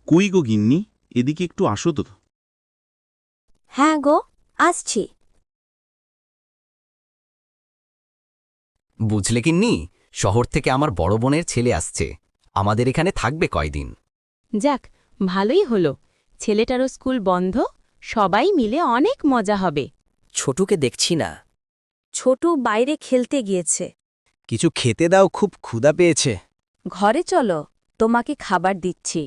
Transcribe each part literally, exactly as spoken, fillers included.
কই গো গিন্নি, এদিকে একটু আসো তো। হ্যাঁ গো, আসছি। বুঝলে কিন্নি, শহর থেকে আমার বড় বোনের ছেলে আসছে, আমাদের এখানে থাকবে কয়দিন। যাক, ভালোই হলো। ছেলেটারও স্কুল বন্ধ, সবাই মিলে অনেক মজা হবে। ছোটুকে দেখছি না। ছোটু বাইরে খেলতে গিয়েছে। কিছু খেতে দাও, খুব ক্ষুধা পেয়েছে। ঘরে চলো, তোমাকে খাবার দিচ্ছি।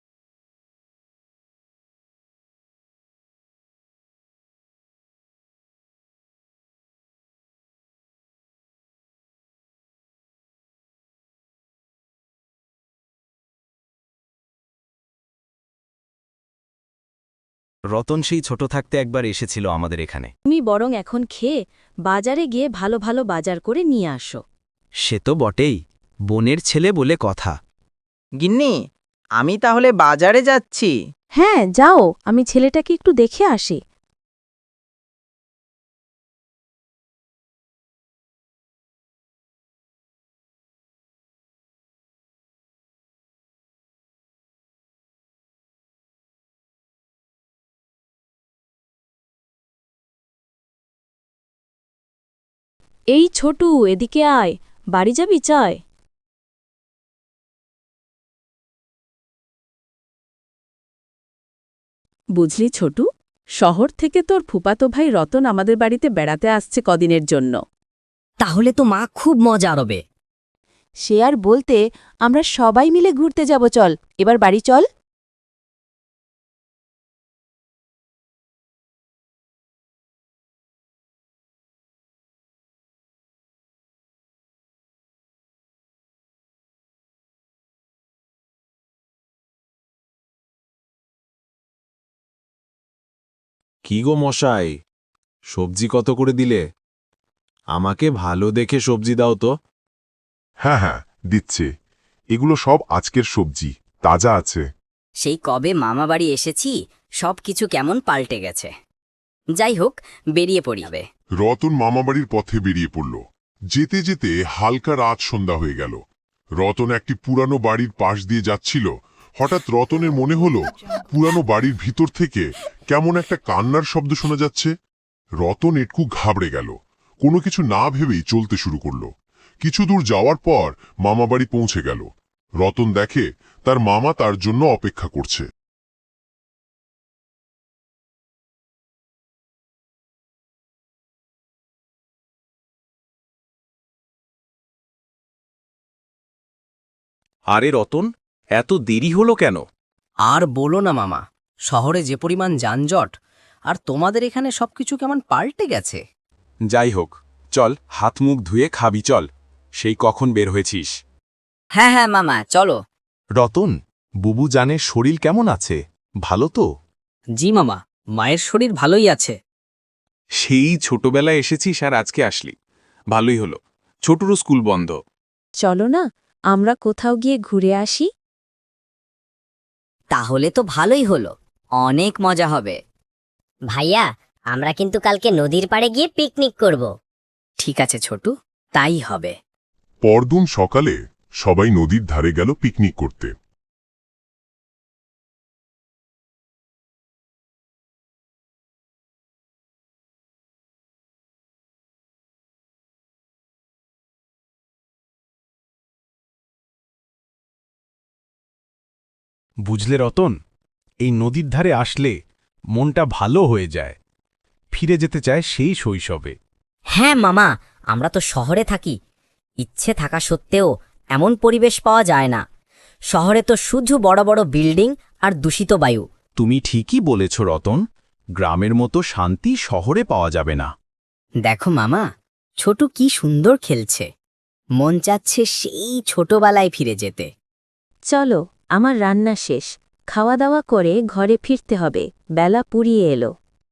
রতন সেই ছোট থাকতে একবার এসেছিল আমাদের এখানে। তুমি বরং এখন খেয়ে বাজারে গিয়ে ভালো ভালো বাজার করে নিয়ে আসো। সে তো বটেই, বোনের ছেলে বলে কথা। গিন্নি, আমি তাহলে বাজারে যাচ্ছি। হ্যাঁ যাও, আমি ছেলেটাকে একটু দেখে আসি। এই ছোটু, এদিকে আয়, বাড়ি যাবি চায়। বুঝলি ছোটু, শহর থেকে তোর ফুপাতো ভাই রতন আমাদের বাড়িতে বেড়াতে আসছে কদিনের জন্য। তাহলে তো মা খুব মজা হবে। সে আর বলতে, আমরা সবাই মিলে ঘুরতে যাব, চল এবার বাড়ি চল। কি গো মশাই, সবজি কত করে দিলে? আমাকে ভালো দেখে সবজি দাও তো। হ্যাঁ হ্যাঁ দিচ্ছে, এগুলো সব আজকের সবজি, তাজা আছে। সেই কবে মামা বাড়ি এসেছি, সব কিছু কেমন পাল্টে গেছে। যাই হোক, বেরিয়ে পড়িবে। রতন মামাবাড়ির পথে বেরিয়ে পড়ল। যেতে যেতে হালকা রাত সন্ধ্যা হয়ে গেল। রতন একটি পুরানো বাড়ির পাশ দিয়ে যাচ্ছিল। হঠাৎ রতনের মনে হলো পুরানো বাড়ির ভিতর থেকে কেমন একটা কান্নার শব্দ শোনা যাচ্ছে। রতন একটু ঘাবড়ে গেল, কোনো কিছু না ভেবেই চলতে শুরু করল। কিছু দূর যাওয়ার পর মামাবাড়ি পৌঁছে গেল। রতন দেখে তার মামা তার জন্য অপেক্ষা করছে। আরে রতন, এত দেরি হলো কেন? আর বলো না মামা, শহরে যে পরিমাণ যানজট, আর তোমাদের এখানে সবকিছু কেমন পাল্টে গেছে। যাই হোক, চল হাত মুখ ধুয়ে খাবি চল। সেই কখন বের হয়েছিস? হ্যাঁ হ্যাঁ মামা, চলো। রতন, বুবু জানের শরীর কেমন আছে? ভালো তো? জি মামা, মায়ের শরীর ভালোই আছে। সেই ছোটবেলায় এসেছিস আর আজকে আসলি, ভালোই হলো। ছোটরও স্কুল বন্ধ। চলো না, আমরা কোথাও গিয়ে ঘুরে আসি। তাহলে তো ভালোই হলো, অনেক মজা হবে। ভাইয়া, আমরা কিন্তু কালকে নদীর পাড়ে গিয়ে পিকনিক করব। ঠিক আছে ছোটু, তাই হবে। পরদিন সকালে সবাই নদীর ধারে গেল পিকনিক করতে। বুঝলে রতন, এই নদীর ধারে আসলে মনটা ভালো হয়ে যায়, ফিরে যেতে চায় সেই শৈশবে। হ্যাঁ মামা, আমরা তো শহরে থাকি, ইচ্ছে থাকা সত্ত্বেও এমন পরিবেশ পাওয়া যায় না। শহরে তো শুধু বড় বড় বিল্ডিং আর দূষিত বায়ু। তুমি ঠিকই বলেছ রতন, গ্রামের মতো শান্তি শহরে পাওয়া যাবে না। দেখো মামা, ছোটু কি সুন্দর খেলছে, মন চাচ্ছে সেই ছোটবেলায় ফিরে যেতে। চলো, আমার রান্না শেষ, খাওয়া দাওয়া করে ঘরে ফিরতে হবে, বেলা পুড়িয়ে এলো।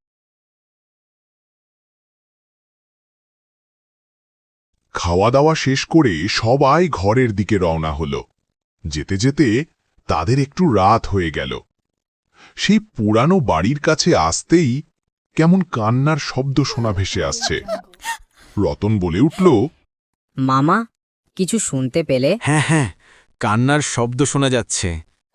খাওয়া দাওয়া শেষ করে সবাই ঘরের দিকে রওনা হল। যেতে যেতে তাদের একটু রাত হয়ে গেল। সেই পুরানো বাড়ির কাছে আসতেই কেমন কান্নার শব্দ শোনা ভেসে আসছে। রতন বলে উঠল, মামা, কিছু শুনতে পেলে? হ্যাঁ হ্যাঁ, কান্নার শব্দ শোনা যাচ্ছে।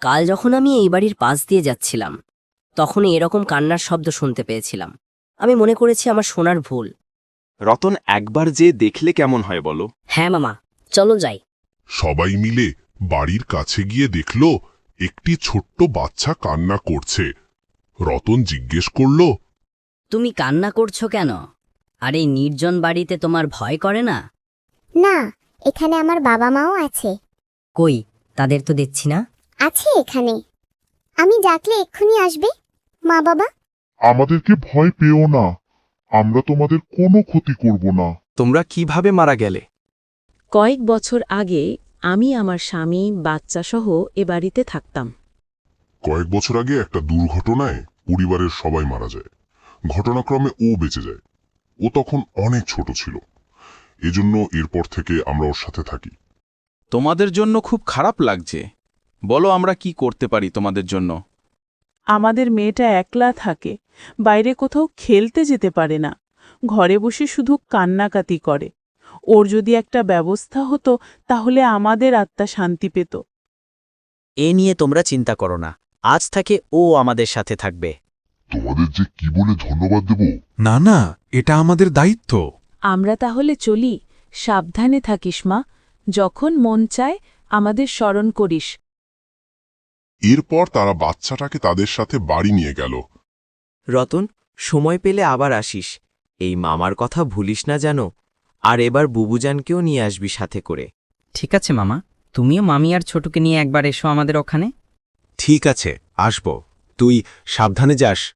কাল যখন আমি এই বাড়ির পাশ দিয়ে যাচ্ছিলাম তখন এরকম কান্নার শব্দ শুনতে পেয়েছিলাম। আমি মনে করেছি আমার শোনার ভুল। রতন একবার যে দেখলে কেমন হয় বলো? হ্যাঁ মামা, চলো যাই। সবাই মিলে বাড়ির কাছে গিয়ে দেখল একটি ছোট্ট বাচ্চা কান্না করছে। রতন জিজ্ঞেস করল, তুমি কান্না করছো কেন? আর এই নির্জন বাড়িতে তোমার ভয় করে না? না, এখানে আমার বাবা মাও আছে। কই, তাদের তো দেখছি না। আছে এখানে। আমি ডাকলে এক্ষুনি আসবে। মা বাবা, আমাদেরকে ভয় পেও না, আমরা তোমাদের কোনো ক্ষতি করব না। তোমরা কিভাবে মারা গেলে? কয়েক বছর আগে আমি আমার স্বামী বাচ্চাসহ এ বাড়িতে থাকতাম। কয়েক বছর আগে একটা দুর্ঘটনায় পরিবারের সবাই মারা যায়। ঘটনাক্রমে ও বেঁচে যায়। ও তখন অনেক ছোট ছিল, এজন্য এরপর থেকে আমরা ওর সাথে থাকি। তোমাদের জন্য খুব খারাপ লাগছে। বলো আমরা কি করতে পারি তোমাদের জন্য? আমাদের মেয়েটা একলা থাকে, বাইরে কোথাও খেলতে যেতে পারে না, ঘরে বসে শুধু কান্নাকাতি করে। ওর যদি একটা ব্যবস্থা হতো তাহলে আমাদের আত্মা শান্তি পেত। এ নিয়ে তোমরা চিন্তা করো না, আজ থেকে ও আমাদের সাথে থাকবে। তোমাদের যে কি বলে ধন্যবাদ দেব। না না, এটা আমাদের দায়িত্ব। আমরা তাহলে চলি। সাবধানে থাকিস মা, যখন মন চায় আমাদের স্মরণ করিস। এরপর তারা বাচ্চাটাকে তাদের সাথে বাড়ি নিয়ে গেল। রতন, সময় পেলে আবার আসিস। এই মামার কথা ভুলিস না যেন। আর এবার বুবুজানকেও নিয়ে আসবি সাথে করে। ঠিক আছে মামা, তুমিও মামি আর ছোটকে নিয়ে একবার এসো আমাদের ওখানে। ঠিক আছে, আসব। তুই সাবধানে যাস।